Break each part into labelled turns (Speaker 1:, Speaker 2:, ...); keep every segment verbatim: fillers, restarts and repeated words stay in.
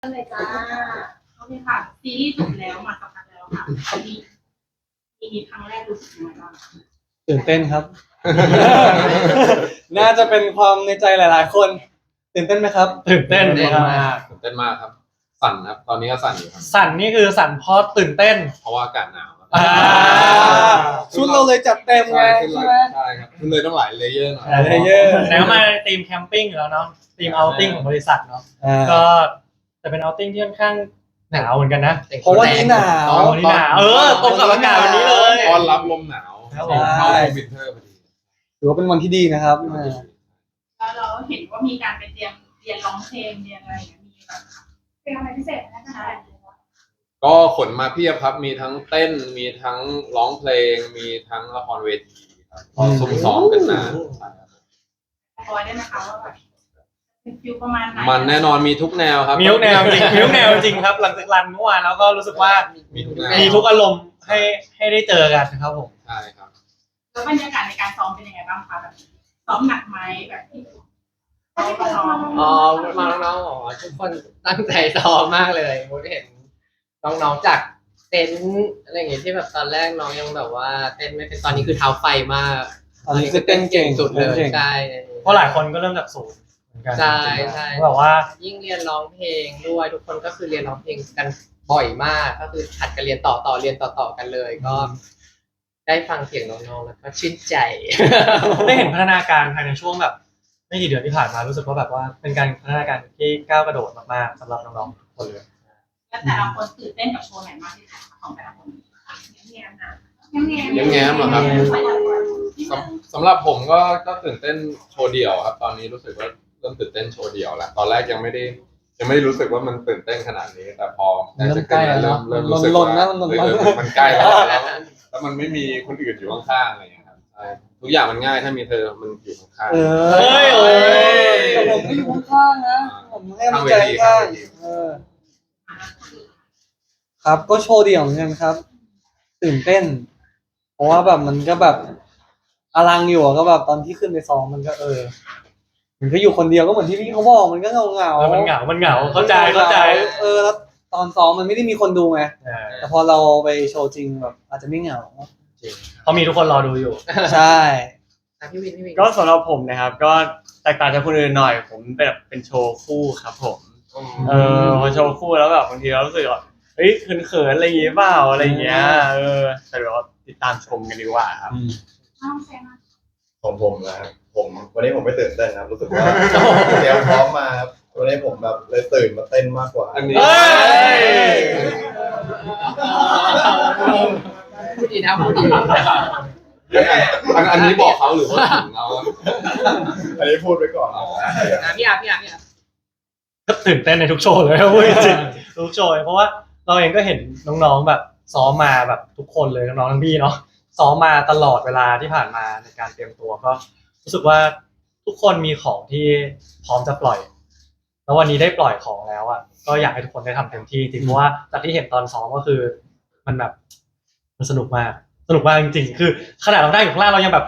Speaker 1: เลยจ้า
Speaker 2: โอเคค่ะซีรีส์จบแล้วมาสักพักแล้วค่ะมีมีครั้งแรกรู้สึกยังไงบ้าง
Speaker 3: ตื่นเต้นครับ น่าจะเป็นความในใจหลาย ๆ คนตื่นเต้นไหมครับตื่นเต้น
Speaker 4: ตื่น
Speaker 3: ค
Speaker 4: เต้
Speaker 3: รั
Speaker 4: น
Speaker 3: บ
Speaker 4: มากตื่นเต้นมากครับ สั่นครับ ตอนนี้ก็สั่นอยู่ครับ
Speaker 3: สั่นนี่คือสั่นเพราะตื่นเต้น
Speaker 4: เพราะว่าอากาศหนาวครับ
Speaker 3: อ่าชุดเราเลยจัดเต็มไง
Speaker 4: ใช่
Speaker 3: ใช่ไหม
Speaker 4: ใช่ครับขึ้นเลยต้องหลายเลเยอร์หน่อย
Speaker 3: หลายเลเยอร์
Speaker 5: แล้วมาทีมแคมปิ้งอยู่แล้วเนาะทีมเอาติ้งของบริษัทเนาะ
Speaker 3: อ่า
Speaker 5: ก็จะเป็นเอาติ้งที่ค่อนข้างหนาวเหมือนกันนะ
Speaker 3: เพราะว่านี่หนาว
Speaker 5: อ๋อวันนี้หนาวเออตรงกับอากาศวันนี้เลย
Speaker 4: ต้อนรับลมหนาว
Speaker 5: ครับผม
Speaker 4: เข้าวินเทอร์พอดี
Speaker 3: ถือว่าเป็นวันที่ดีนะครับอ่า
Speaker 2: แล้วเราเห็นว่ามีการไปเตรียมเรียนร้องเพลงเรียนอะไรอย่างเงี้ยมีแบบเป็นอะไรพิเศษนะคะ
Speaker 4: ก็ขนมาเพียบครับ มีทั้งเต้น มีทั้งร้องเพลง มีทั้งละครเวทีครับก็ซุ่มซ้อมกันนานใช่ครับ
Speaker 2: คอยได้ไหมคะว่าแบบเป็นฟิลประมาณไหน
Speaker 4: มันแน่นอนมีทุกแนวครับ
Speaker 5: มีทุกแนวจริงมีทุกแนวจริงครับ หลังจากรันเมื่อวานแล้วก็รู้สึกว่า
Speaker 4: มีทุกแนว
Speaker 5: มีทุกอารมณ์ให้ให้ได้เจอกันครับผม
Speaker 4: ใช่ครับ
Speaker 2: แล้วบรรยากาศในการซ้อมเป็นยังไงบ้างคะแบบซ้อมหนักไหมแบบที่ซ้อมซ้อม
Speaker 1: อ๋อมาน้องๆอ๋อทุกคนตั้งใจซ้อมมากเลยมุดเห็นน้องๆจากเต็นท์อะไรอย่างเงี้ยที่แบบตอนแรกน้องยังแบบว่าเต้นไม่เป็นตอนนี้คือเท้าไฟมาก
Speaker 3: ตอนนี้คือเต้นเก่ง
Speaker 1: สุดเลย
Speaker 3: ต้นก่ง
Speaker 1: ใช่
Speaker 5: เพราะหลายคนก็เริ่มจากศูนย์เหมือนกัน
Speaker 1: ใช่ใช่
Speaker 5: แบบว่า
Speaker 1: ยิ่งเรียนร้องเพลงด้วยทุกคนก็คือเรียนร้องเพลงกันบ่อยมากก็คือถัดกันเรียนต่อต่อเรียนต่อต่อกันเลย ก็ได้ฟังเสียงน้องๆแล้วก็ชื่นใจ
Speaker 5: ได้เห็นพัฒนาการภายในช่วงแบบไม่กี่เดือนที่ผ่านมารู้สึกว่าแบบว่าเป็นการพัฒนาการที่ก้าวกระโดดมากๆสำหรับน้องๆทุกคนเลย
Speaker 2: แล้วแต่ละคนตื่นเต้นกับโชว์ไหนมากที่สุดคะของแต่ละคนแง้มๆนะแง้มๆ
Speaker 4: แง้มๆเหรอครับ สำสำหรับผมก็ก็ตื่นเต้นโชว์เดี่ยวครับ ตอนนี้รู้สึกว่าเริ่มตื่นเต้นโชว์เดี่ยวแล้วตอนแรกยังไม่ได้ยังไม่ได้รู้สึกว่ามันตื่นเต้นขนาดนี้ แต่พอได้สักเริ่มเริ่มเริ่มรู้สึก
Speaker 3: ล
Speaker 4: ว่าน
Speaker 3: ๆนะมันลนๆ
Speaker 4: เออมันใกล้แล้วแล้วแล้วมันไม่มีคนอื่นอยู่ข้างๆอะไรอย่างเงี้ยครับใช่ทุกอย่างมันง่ายถ้ามีเธอมันอยู่ข้าง
Speaker 3: เอ
Speaker 4: ๆ
Speaker 3: อ
Speaker 5: เฮ้ยโอ้ย
Speaker 3: แต่ผมก็อยู่ข้างๆนะผมให้กำลังใจข้างๆเออ ครับก็โชว์เดี่ยวเหมือนกันครับ ตื่นเต้น เพราะว่าแบบมันก็แบบอลังอยู่อะก็แบบตอนที่ขึ้นไปซ้อมมันก็เออ มันก็อยู่คนเดียวก็เหมือนที่พี่เขาบอกมันก็เงาเงา
Speaker 5: เออมันเหงา มันเหงา เข้าใจ เข้าใจ
Speaker 3: เออแล้วตอนซ้อมมันไม่ได้มีคนดูไง
Speaker 5: เออ
Speaker 3: แต่พอเราไปโชว์จริงแบบ อาจจะไม่เหงา
Speaker 5: เพราะมีทุกคนรอดูอยู่
Speaker 3: ใช่
Speaker 1: อ่ะพี่วินพี่วิน
Speaker 6: ก็สำหรับผมนะครับ ก็แตกต่างจากคนอื่นหน่อย ผมเป็นแบบเป็นโชว์คู่ครับผม เออพอโชว์คู่แล้วแบบบางทีเรารู้สึกว่าเฮ้ยเขินๆอะไรอย่างเงี้ยเปล่าอะไรอย่างเงี้ยเออแต่เดี๋ยวเราติดตามชมกันดีกว่าครับ
Speaker 2: น้องแซม
Speaker 7: ของผมนะครับผมวันนี้ผมไม่ตื่นเต้นครับรู้สึกว่าเตรียมพร้อมมาครับวันนี้ผมแบบเลยตื่นมาเต้นมากกว่า
Speaker 4: อันนี้
Speaker 5: เฮ้ย
Speaker 1: พูดดีนะพูดดี
Speaker 4: อันอันนี้บอกเขาหรือว่าถึงเรา
Speaker 7: อันนี้พูดไว้ก่อนนะ
Speaker 1: อ่ะพี่อาร์พี่อาร์พี่อาร์
Speaker 5: ก็ตื่นเต้นในทุกโชว์เลยครับพูดจริงๆทุกโชว์เลยเพราะว่าเราเองก็เห็นน้องๆแบบซ้อมมาแบบทุกคนเลยน้องๆทั้งพี่เนาะซ้อมมาตลอดเวลาที่ผ่านมาในการเตรียมตัวก็รู้สึกว่าทุกคนมีของที่พร้อมจะปล่อย แล้ววันนี้ได้ปล่อยของแล้วอ่ะก็อยากให้ทุกคนได้ทำเต็มที่จริงเพราะว่าจากที่เห็นตอนซ้อมก็คือ มันแบบมันสนุกมากสนุกมากจริงๆคือขนาดเราได้อยู่ข้างล่างเรายังแบบ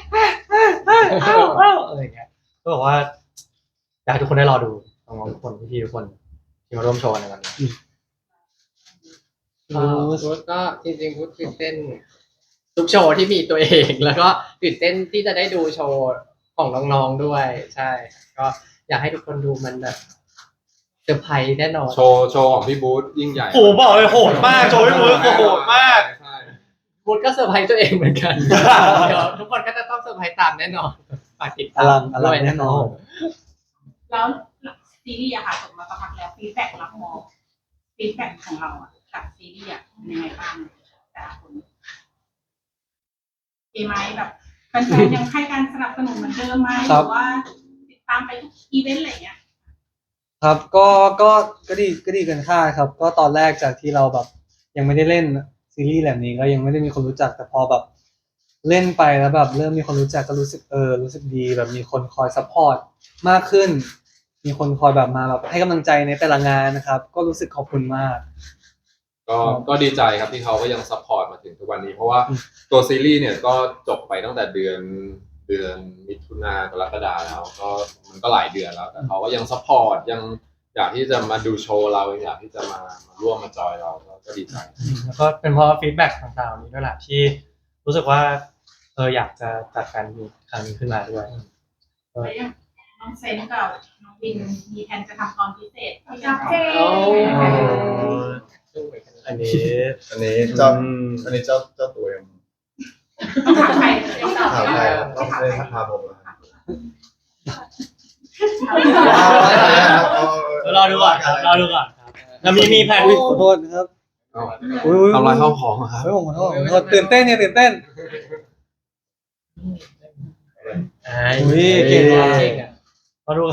Speaker 5: อะไรอย่างเงี้ยก็บอกว่าอยากให้ทุกคนได้รอดูน้องๆทุกคนพี่ๆทุกคนที่มาร่วมโชว์ในวันนี้
Speaker 1: ก็พุทธก็จริงๆพุทธตื่นเต้นทุกโชว์ที่มีตัวเอง แล้วก็ตื่นเต้นที่จะได้ดูโชว์ของน้องๆด้วย ใช่ ก็อยากให้ทุกคนดูมันแบบเซอร์ไพรส์แน่นอน
Speaker 4: โชว์โชว์ของพี่บูธยิ่งใหญ่
Speaker 5: โอ้โหบอกเลยโหดมากโชว์พี่มือโหดมาก
Speaker 4: ใช่
Speaker 1: พุทธก็เซอร์ไพรส์ตัวเองเหมือนกัน เดี๋ยวทุกคนก็จะต้องเซอร์ไพรส์ตามแน่นอนฝากติด
Speaker 3: อ
Speaker 1: ตาม
Speaker 3: ลังอลัง
Speaker 1: ด้วย
Speaker 3: แน่นอน
Speaker 2: แล้วซีรีส์อะค่ะจบมาสักพักแล้วฟีดแบ็กรับมองฟีดแบ็กของเราอะกับซีรีส์อะเป็นยังไงบ้างแต่ละคนดีไหมแบบแฟนๆยังให้การสนับสนุนเหมือนเดิมไหมหรือว่าติดตามไปทุกอีเวนต์อะไรอย่างเงี้ย
Speaker 3: ครับก็ก็ก็ดีก็ดีเกินคาดครับ ก็ตอนแรกจากที่เราแบบ ยังไม่ได้เล่นซีรีส์แบบนี้ก็ยังไม่ได้มีคนรู้จักแต่พอแบบ เล่นไปแล้วแบบเริ่มมีคนรู้จักก็รู้สึกเออรู้สึกดีแบบมีคนคอยซัพพอร์ตมากขึ้น มีคนคอยแบบมาแบบให้กำลังใจในแต่ละงานนะครับ ก็รู้สึกขอบคุณมาก
Speaker 4: ก็ก็ดีใจครับที่เขาก็ยังซัพพอร์ตมาถึงทุกวันนี้ เพราะว่าตัวซีรีส์เนี่ยก็จบไปตั้งแต่เดือนเดือนมิถุนากรกฎาแล้วก็มันก็หลายเดือนแล้วแต่เขาก็ยังซัพพอร์ตยังอยากที่จะมาดูโชว์เราอยากที่จะมามาร่วมมาจอยเราก็ดีใจ
Speaker 5: แล้วก็เป็นเพราะฟีดแบ็กต่างๆนี้ด้วยแหละที่รู้สึกว่าเอออยากจะจัดการมีครั้งนี้ขึ้นมาด้วย
Speaker 2: แล้วยังน้องเซนกับน้องวินมีแผนจะทำตอนพิเศษที่จะ
Speaker 1: โอ้
Speaker 6: อันนี้
Speaker 7: อันนี้เจ้า
Speaker 6: อืม
Speaker 7: อันนี้เจ้าเจ้าตัวเอง
Speaker 2: ต้องถามใครต้องถาม
Speaker 7: ถาม
Speaker 2: ใค
Speaker 7: ใค
Speaker 2: ร
Speaker 7: รครับต้องได้ทักทายผมนะครับ
Speaker 6: รอดูก่อนครับรอดูก่อนครับแล้วมีมีแผน
Speaker 3: อุ๊ยขอโทษนะครับ
Speaker 4: เอ้า
Speaker 3: อุ๊ยอุ๊ย
Speaker 4: ทำลายข้าวของอะครับ
Speaker 3: เฮ้ยผมขอโทษผมขอโทษตื่นเต้นเนี่ยตื่นเต้น อุ๊ยเก่งว่ะ
Speaker 1: เก่งอะ
Speaker 5: รอดู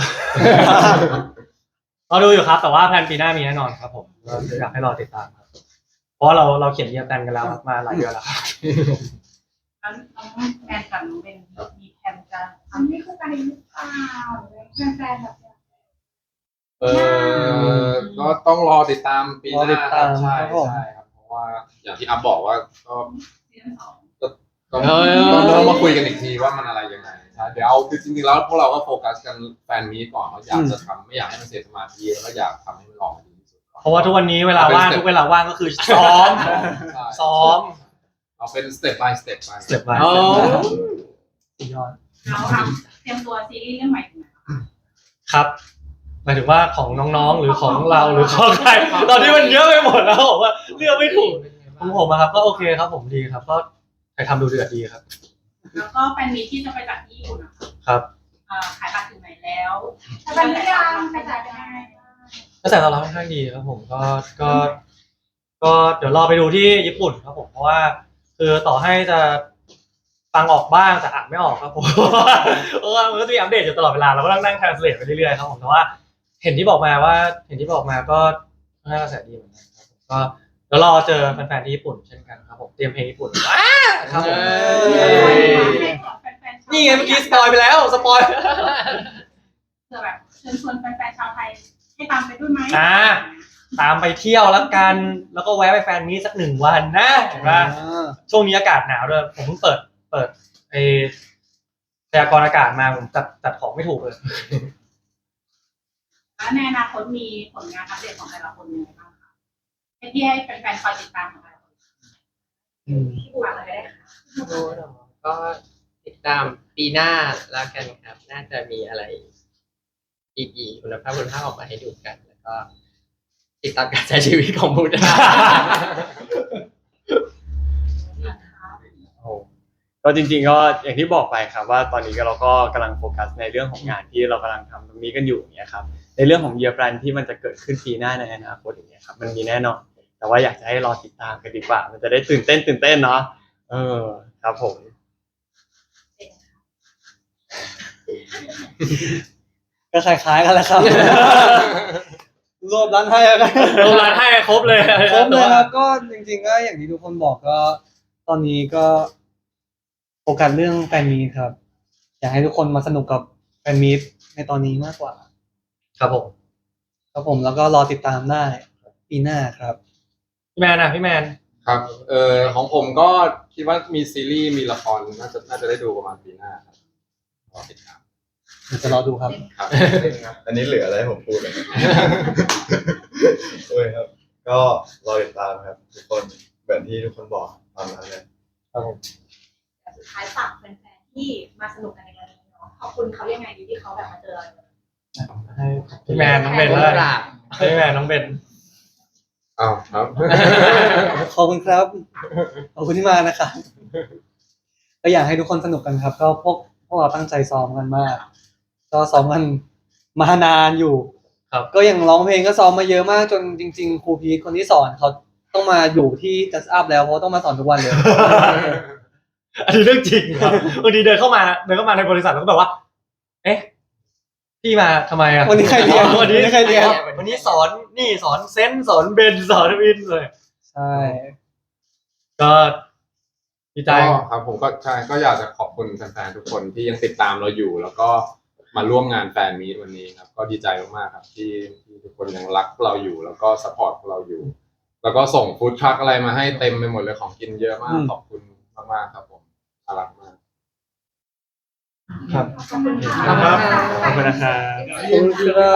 Speaker 5: รอดูอยู่ครับ แต่ว่าแพลนปีหน้ามีแน่นอนครับผมก็อยากให้รอติดตามครับเพราะว่าเราเราเขียนเรียงแพลนกันแล้วครับมาหลายเดือนแล้วครับ
Speaker 2: แล้วน้องแมนกับน้องเบนมีแผนจะทำนี่คือการหรือเปล่าหรือแฟนๆแบบ
Speaker 4: เออก็ต้องรอติดตามปีห
Speaker 3: รอติ
Speaker 4: น้า
Speaker 3: ด
Speaker 4: ค
Speaker 3: ตา
Speaker 4: รั
Speaker 3: ม
Speaker 4: บใช่
Speaker 3: ครับผม
Speaker 4: ใช่ครับเพราะว่าอย่างที่อัพบอกว่าก็
Speaker 2: ซีซั่นสอง
Speaker 4: ต้องต้องต้องมาคุยกันอีกทีว่ามันอะไรยังไงใช่เดี๋ยวเอาคือจริงๆแล้วพวกเราก็โฟกัสกันแฟนมีตก่อนว่าอยากจะทำไม่อยากให้มันเสียสมาธิแล้วก็อยากทำให้มันออกมาดีที่สุดก่อน
Speaker 5: เพราะว่าทุกวันนี้เวลาว่างทุกเวลาว่างก็คือซ้อม
Speaker 4: ใช่
Speaker 5: ซ้อม
Speaker 4: เอาเป็นสเต็ป by สเต็ปไป
Speaker 5: สเต็ปไป
Speaker 1: โอ้
Speaker 5: สุดยอด
Speaker 2: เราทำเตรียมตัวซีรีส์เรื่องใหม่ถึงไหนคะ
Speaker 5: ครับหมายถึงว่าของน้องๆหรือของเราหรือของใครตอนนี้มันเยอะไปหมดแล้วผมว่าเลือกไม่ถูกของผมอะครับก็โอเคครับผมดีครับ ก็ใครทำดูเดือดดีครับ
Speaker 2: แล้วก็แฟนมีที่จะไปจัดที่ญี่ปุ่นนะคะ
Speaker 5: ครับ
Speaker 2: เอ่อขายบัตรถึงไหนแล้ว
Speaker 8: ไปหรือยังไปจ่ายไปยังไง
Speaker 5: ก็แต่เราค่อนข้างดีครับผมก็ก็ก็เดี๋ยวรอไปดูที่ญี่ปุ่นครับผมเพราะว่าคือต่อให้จะฟังออกบ้างแต่อ่านไม่ออกครับผม เพราะว่ามันก็จะมีอัปเดตอยู่ตลอดเวลาเราก็ต้องนั่ง translate ไปเรื่อยๆครับผมแต่ว่าเห็นที่บอกมาว่าเห็นที่บอกมาก็ค่อนข้างกระแสดีเหมือนกันครับผมก็เดี๋ยวรอเจอแฟนๆที่ญี่ปุ่นเช่นกันครับผมเตรียมเพลงญี่ปุ่นว้าครับผม นี่ไงเมื่อกี้สปอยไปแล้วสปอย
Speaker 2: เผื่อแบบเชิญชวนแฟนๆชาวไทยให้ตามไปด้วยไหม
Speaker 5: อ่า ตามไปเที่ยวแล้วกัน แล้วก็แวะไปแฟนมีตสักหนึ่งวันนะเห็นปะช่วงนี้อากาศหนาวด้วยผมเพิ่งเปิดเปิดไอพยากรณ์อากาศมาผมจัดจัดของไม่ถูกเลย
Speaker 2: แล้วในอนาคตมีผลงานอัปเดตของแต่ละคนยังไงบ้างคะให้ที่ให้แฟนๆคอยติดตามของแต่ละคนฝากเลยได้ค่ะ
Speaker 1: โหเนอะก็ติดตามปีหน้าแล้วกันครับ น่าจะมีอะไรดีๆคุณภาพคุณภาพออกมาให้ดูกัน แล้วก็ ติดตามการใช้ชีวิตของบูดา
Speaker 6: ก็จริงๆก็อย่างที่บอกไปครับว่าตอนนี้ก็เราก็กำลังโฟกัสในเรื่องของงานที่เรากำลังทำตรงนี้กันอยู่อย่างเงี้ยครับในเรื่องของเยียร์แปลนที่มันจะเกิดขึ้นปีหน้าในอนาคตอย่างเงี้ยครับมันมีแน่นอนแต่ว่าอยากจะให้รอติดตามกันดีกว่า มันจะได้ตื่นเต้นตื่นเต้นเนาะเออครับผม
Speaker 3: ก็คล้ายๆกันแหละครับ รวบรัดให้แล้วกัน
Speaker 5: โดนร้านให้ครบเลย
Speaker 3: ครบเลยครับก็จริงๆก็อย่างที่ทุกคนบอกก็ ตอนนี้ก็โฟกัสเรื่องแฟนมีตครับ อยากให้ทุกคนมาสนุกกับแฟนมีตในตอนนี้มากกว่า
Speaker 5: ครับผม
Speaker 3: ครับผมแล้วก็รอติดตามได้ปีหน้าครับ
Speaker 5: พี่แมนนะพี่แมน
Speaker 4: ครับเออของผมก็คิดว่ามีซีรีส์มีละครน่าจะน่าจะได้ดูประมาณปีหน้าครับรอติดตาม
Speaker 3: เดี๋ยวจะรอดูครับ
Speaker 4: ครับ
Speaker 7: อันนี้เหลืออะไรให้ผมพูดเลย โอ้ยครับ ก็รอติดตามครับ ทุกคนเหมือนที่ทุกคนบอกตามนั้นเลย
Speaker 5: ครับผม
Speaker 8: สุดท้ายฝากแฟนๆที่มาสนุกกันในวันนี้เนาะขอบคุณเขายังไงดีที่เขาแบบมาเจอเรา
Speaker 5: ให้พี่แมนน้องเบนแล้วกันให้พี่แมนน้องเบน
Speaker 4: อ้าวครับ
Speaker 3: ขอบคุณครับ ขอบคุณที่มานะครับก็อยากให้ทุกคนสนุกกันครับ ก็พวกพวกเราตั้งใจซ้อมกันมาก ก็ซ้อมกันมานานอยู่
Speaker 5: ครับ
Speaker 3: ก็อย่างร้องเพลงก็ซ้อมมาเยอะมากจนจริง ๆ ครูพีทคนที่สอนเขาต้องมาอยู่ที่ Just Up แล้วเพราะต้องมาสอนทุกวันเลย
Speaker 5: อันนี้เรื่องจริงครับบางทีเดินเข้ามาเดินเข้ามาในบริษัทแล้วก็แบบว่า เอ๊ะพี่มาทำไมอ่ะ
Speaker 3: วันนี้ใครเรียน
Speaker 5: วันนี้
Speaker 3: วันนี้ใครเรียน
Speaker 5: วันนี้สอนนี่สอนเซนส์สอนเบนสอนวินเลย
Speaker 3: ใช่
Speaker 5: ก็ดีใจ
Speaker 4: ก็ครับผมก็ใช่ก็อยากจะขอบคุณแฟนๆทุกคนที่ยังติดตามเราอยู่ แล้วก็มาร่วมงานแฟนมีตวันนี้ครับก็ดีใจมากๆครับที่ที่ทุกคนยังรักเราอยู่ แล้วก็สปอร์ตเราอยู่ แล้วก็ส่งฟู้ดทรัคอะไรมาให้เต็มไปหมดเลยของกินเยอะมากขอบคุณมากๆครับผมน่ารักมาก
Speaker 5: ครับ
Speaker 8: ขอบคุณค่ะ
Speaker 5: ครับ
Speaker 6: ขอบคุณนะครับ
Speaker 3: ขอบคุณครับ